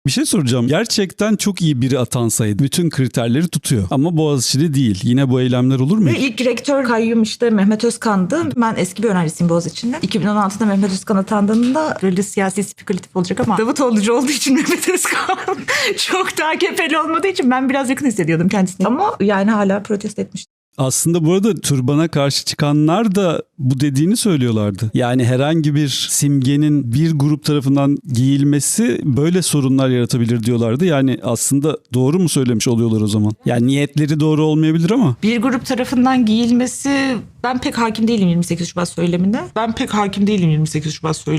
Bir şey soracağım. Gerçekten çok iyi biri atansaydı bütün kriterleri tutuyor. Ama Boğaziçi'de değil. Yine bu eylemler olur mu? Ve ilk rektör kayyum işte Mehmet Özkan'dı. Ben eski bir öğrencisiyim Boğaziçi'nde. 2016'da Mehmet Özkan atandığında böyle siyasi spekülatif olacak ama Davutoğlu'cu olduğu için Mehmet Özkan çok daha AKP'li olmadığı için ben biraz yakın hissediyordum kendisini. Ama yani hala protesto etmiş. Aslında bu arada türbana karşı çıkanlar da bu dediğini söylüyorlardı. Yani herhangi bir simgenin bir grup tarafından giyilmesi böyle sorunlar yaratabilir diyorlardı. Yani aslında doğru mu söylemiş oluyorlar o zaman? Yani niyetleri doğru olmayabilir ama. Bir grup tarafından giyilmesi ben pek hakim değilim 28 Şubat söyleminde. Ben pek hakim değilim 28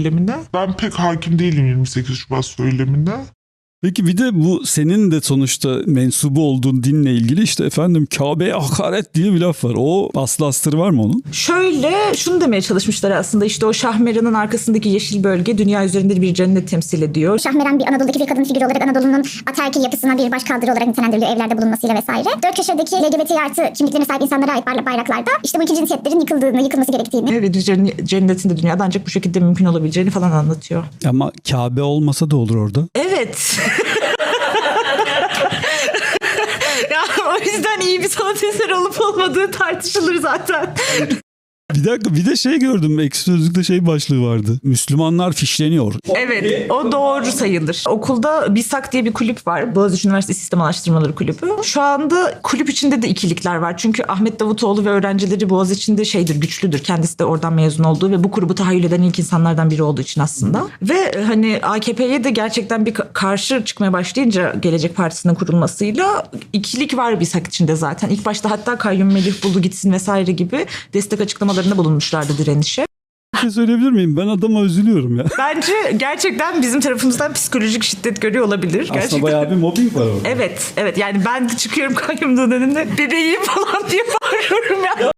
Şubat söyleminde. Peki bir de bu senin de sonuçta mensubu olduğun dinle ilgili işte efendim Kabe'ye hakaret diye bir laf var. O aslı astarı var mı onun? Şöyle şunu demeye çalışmışlar aslında işte o Şahmeran'ın arkasındaki yeşil bölge dünya üzerinde bir cennet temsil ediyor. Şahmeran bir Anadolu'daki bir kadın figürü olarak Anadolu'nun ataerkil yapısına bir başkaldırı olarak nitelendiriliyor evlerde bulunmasıyla vesaire. Dört köşedeki LGBT artı kimliklerine sahip insanlara ait bayraklarda işte bu iki cinsiyetlerin yıkılması gerektiğini Ve cennetin de dünyada ancak bu şekilde mümkün olabileceğini falan anlatıyor. Ama Kabe olmasa da olur orada. Evet. Ya, o yüzden iyi bir sanat eseri olup olmadığı tartışılır zaten. Bir dakika bir de şey gördüm. Ekşi Sözlük'te şey başlığı vardı. Müslümanlar fişleniyor. Evet, o doğru sayılır. Okulda BİSAK diye bir kulüp var. Boğaziçi Üniversitesi Sistem Araştırmaları Kulübü. Şu anda kulüp içinde de ikilikler var. Çünkü Ahmet Davutoğlu ve öğrencileri Boğaziçi'nde güçlüdür. Kendisi de oradan mezun olduğu ve bu grubu tahayyül eden ilk insanlardan biri olduğu için aslında. Ve hani AKP'ye de gerçekten bir karşı çıkmaya başlayınca Gelecek Partisi'nin kurulmasıyla ikilik var BİSAK içinde zaten. İlk başta hatta Kayyum Melih Bulu gitsin vesaire gibi destek açıklamalarında bulunmuşlardı direnişe. Bir şey söyleyebilir miyim? Ben adama üzülüyorum ya. Bence gerçekten bizim tarafımızdan psikolojik şiddet görüyor olabilir. Aslında Gerçekten. bayağı bir mobbing var orada. Evet yani ben de çıkıyorum kayyumluğun önünde bebeğim falan diye bağırıyorum ya.